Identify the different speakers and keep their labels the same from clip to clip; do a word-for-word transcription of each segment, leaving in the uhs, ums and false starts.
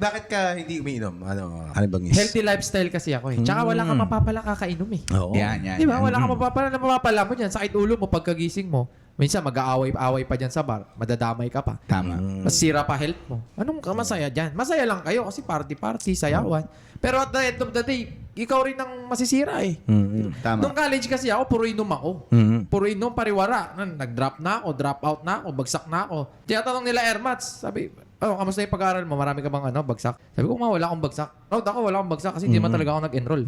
Speaker 1: bakit ka hindi umiinom? Ano, ano bang is?
Speaker 2: Healthy lifestyle kasi ako eh. Tsaka wala ka mapapala kakainom eh.
Speaker 1: Oo.
Speaker 3: Yan, yan.
Speaker 2: Di ba?
Speaker 3: yan.
Speaker 2: Wala ka mapapala na mapapala mo dyan. Sakit ulo mo pagkagising mo. Minsan mag-aaway-away pa dyan sa bar. Madadamay ka pa.
Speaker 3: Tama.
Speaker 2: Masira pa health mo. Anong ka masaya dyan? Masaya lang kayo kasi party-party, sayawan. Pero at the end of the day, ikaw rin ang masisira eh.
Speaker 1: Mm-hmm.
Speaker 3: Tama.
Speaker 2: Nung college kasi ako, puro inom ako.
Speaker 1: Mm-hmm.
Speaker 2: Puro inom, pariwara. Nag-drop na ako, drop out na ako, bagsak na ako. Tinatanong nila Airmats, sabi, oh, kamusta yung pag-aaral mo? Marami ka bang ano, bagsak? Sabi ko, ma, wala akong bagsak. No, ako, wala akong bagsak kasi hindi mm-hmm. man talaga ako nag-enroll.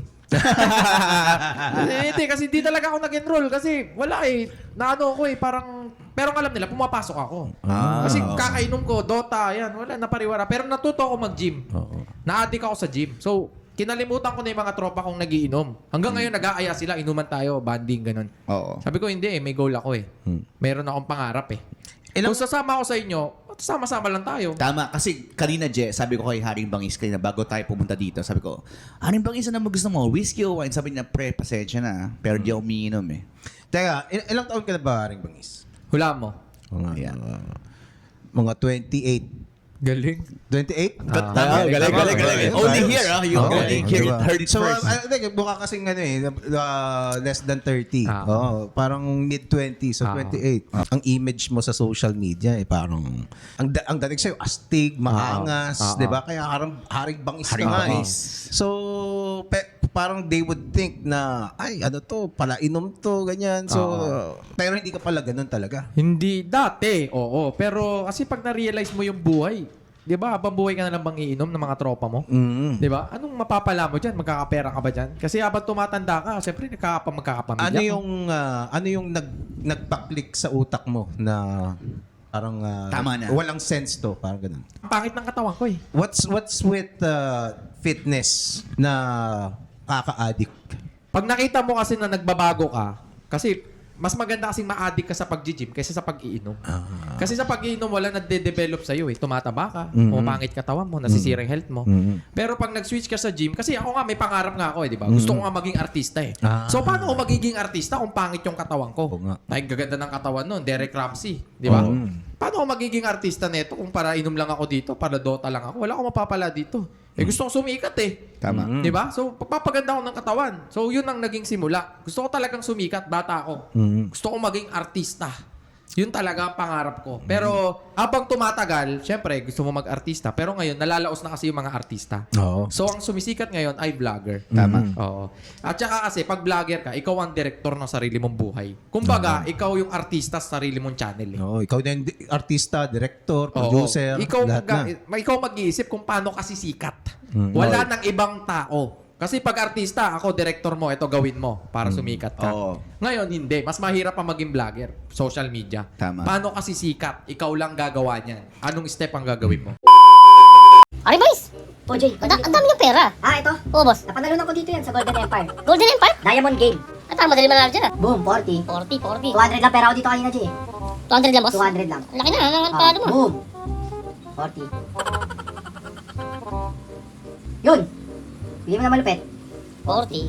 Speaker 2: Hindi, kasi hindi talaga ako nag-enroll kasi wala eh. Naano ko eh, parang, pero alam nila, pumapasok ako.
Speaker 3: Ah.
Speaker 2: Kasi kakainom ko, Dota, yan, wala, napariwara. Pero natuto ako mag-gym.
Speaker 1: Oo.
Speaker 2: Na-addict ako sa gym. So, kinalimutan ko na yung mga tropa kong nagiinom. Hanggang ngayon, nag-aaya sila, inuman tayo, banding, ganun.
Speaker 3: Oo.
Speaker 2: Sabi ko, hindi eh, may goal ako eh. Meron akong pangarap eh.
Speaker 1: Ilang-
Speaker 2: Kung sasama ako sa inyo, sama-sama lang tayo.
Speaker 3: Tama. Kasi kanina, Je, sabi ko kay Haring Bangis kanina bago tayo pumunta dito, sabi ko, Haring Bangis, ano mo gusto mo? Whiskey o wine? Sabi niya, pre, pasensya na. Pero di ako umiinom eh.
Speaker 1: Teka, il- ilang taon ka na ba, Haring Bangis?
Speaker 2: Hula mo.
Speaker 1: Mga,
Speaker 3: Ayan.
Speaker 1: uh, mga twenty-eight.
Speaker 2: Galing.
Speaker 1: twenty-eight?
Speaker 2: Ah,
Speaker 3: Tama, galing, galing, galing.
Speaker 1: galing.
Speaker 3: Only here, ah. You
Speaker 1: Oo,
Speaker 3: only
Speaker 1: diba?
Speaker 3: hear it, heard it
Speaker 1: So,
Speaker 3: first.
Speaker 1: uh, I think, mukha kasing ano eh, uh, less than thirty.
Speaker 2: Ah.
Speaker 1: Oo, parang mid-twenties, so
Speaker 2: Ah.
Speaker 1: twenty-eight. Ang image mo sa social media eh, parang, ang, da- ang dating sa'yo, astig, maangas,
Speaker 2: Ah.
Speaker 1: di ba? Kaya harang, haring bangis
Speaker 3: Haring
Speaker 1: ka nga eh.
Speaker 3: bangis.
Speaker 1: So, pe- parang they would think na, ay, ano to, pala inom to, ganyan. So,
Speaker 2: Ah.
Speaker 1: pero hindi ka pala ganun talaga.
Speaker 2: Hindi, dati, oo. Pero kasi pag na-realize mo yung buhay, di ba, habang buhay ka na lang bang iinom ng mga tropa mo?
Speaker 1: Mm.
Speaker 2: Di ba? Anong mapapala mo dyan? Magkakapera ka ba dyan? Kasi habang tumatanda ka, siyempre nagkakapa, magkakapamilya
Speaker 1: Ano
Speaker 2: ka.
Speaker 1: yung ah, ano yung nag nagpa-click sa utak mo na parang ah,
Speaker 3: Tama na.
Speaker 1: walang sense to, parang ganun.
Speaker 2: Ang pangit ng katawan ko eh.
Speaker 1: What's what's with uh, fitness na kaka-addict?
Speaker 2: Pag nakita mo kasi na nagbabago ka, kasi mas maganda kasing ma-addict ka sa pag-gym kaysa sa pag-iinom.
Speaker 1: Ah.
Speaker 2: Kasi sa pag-iinom, wala nagde-develop sa'yo eh. Tumataba ka,
Speaker 1: Mhm.
Speaker 2: pumapangit katawan mo, nasisira yung health mo.
Speaker 1: Mhm.
Speaker 2: Pero pag nag-switch ka sa gym, kasi ako nga, may pangarap nga ako eh, di ba? Gusto ko nga maging artista eh.
Speaker 1: Ah.
Speaker 2: So, paano ako magiging artista kung pangit yung katawan ko?
Speaker 1: Oo nga.
Speaker 2: Ay, gaganda ng katawan nun, Derek Ramsey, di ba?
Speaker 1: Oo.
Speaker 2: Paano ako magiging artista neto kung para inom lang ako dito, para Dota lang ako? Wala akong mapapala dito. Eh, gusto kong sumikat eh.
Speaker 3: Tama.
Speaker 2: Di ba? So, pagpapaganda ako ng katawan. So, yun ang naging simula. Gusto ko talagang sumikat, bata ako.
Speaker 1: Mhm.
Speaker 2: Gusto ko maging artista. Yun talaga ang pangarap ko. Pero, habang tumatagal, syempre, gusto mo mag-artista. Pero ngayon, nalalaos na kasi yung mga artista.
Speaker 1: Oo.
Speaker 2: So, ang sumisikat ngayon ay vlogger.
Speaker 3: Tama.
Speaker 2: Oo. At saka kasi, pag vlogger ka, ikaw ang director ng sarili mong buhay. Kumbaga, ikaw yung artista sa sarili mong channel. Eh.
Speaker 1: Oo, ikaw din di- artista, director,
Speaker 2: Oo.
Speaker 1: producer,
Speaker 2: Ikaw,
Speaker 1: lahat
Speaker 2: mag-
Speaker 1: na.
Speaker 2: ikaw mag-iisip kung paano kasi sikat.
Speaker 1: Mm.
Speaker 2: Wala nang ibang tao. Kasi pag artista, ako, director mo, ito gawin mo para sumikat ka.
Speaker 3: Oo.
Speaker 2: Ngayon, hindi. Mas mahirap pa maging vlogger. Social media.
Speaker 3: Tama.
Speaker 2: Paano kasi sikat? Ikaw lang gagawa niyan. Anong step ang gagawin mo?
Speaker 4: Aray, boys! O, Jay, ang, da- ang dami niyong pera.
Speaker 5: Ah, ito.
Speaker 4: Oo, boss.
Speaker 5: Napanalunan ko dito yan sa Golden Empire.
Speaker 4: Golden Empire?
Speaker 5: Diamond Game.
Speaker 4: At parang madali manalo dyan ah.
Speaker 5: Boom, forty.
Speaker 4: forty, forty.
Speaker 5: two hundred lang pera ko dito kanina, Jay.
Speaker 4: two hundred lang, boss?
Speaker 5: two hundred lang.
Speaker 4: Laki na, ang
Speaker 5: Ah,
Speaker 4: talo mo.
Speaker 5: boom. forty. Yun. Bili mo na malupit.
Speaker 4: forty.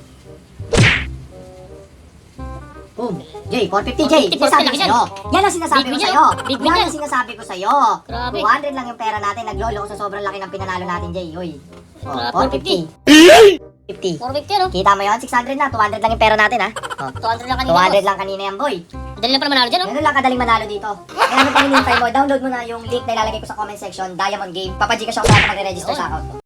Speaker 5: Boom. Jay, four fifty, Jay.
Speaker 4: four fifty,
Speaker 5: Sinasabi ko
Speaker 4: laki yan.
Speaker 5: sa'yo. Yan ang sinasabi
Speaker 4: Big
Speaker 5: ko
Speaker 4: win yan,
Speaker 5: sa'yo.
Speaker 4: oh. Big win
Speaker 5: Yan
Speaker 4: yan.
Speaker 5: ang sinasabi ko sa'yo.
Speaker 4: Grabe.
Speaker 5: two hundred lang yung pera natin. Naglolo ko sa sobrang laki ng pinanalo natin, Jay. Uy. Oh,
Speaker 4: Grabe,
Speaker 5: four fifty. fifty.
Speaker 4: four fifty, ano?
Speaker 5: Kita mo yun? six hundred na. two hundred lang yung pera natin, ha? Oh.
Speaker 4: two hundred lang kanina,
Speaker 5: two hundred
Speaker 4: boss.
Speaker 5: lang kanina yan, boy.
Speaker 4: Madali lang pala manalo dyan, oh.
Speaker 5: Ganun lang kadaling manalo dito. Kaya ano pa hinihintay mo? Download mo na yung link na ilalagay ko sa comment section, Diamond Game. Papajikas ako sa lahat na magre-register sa account ko.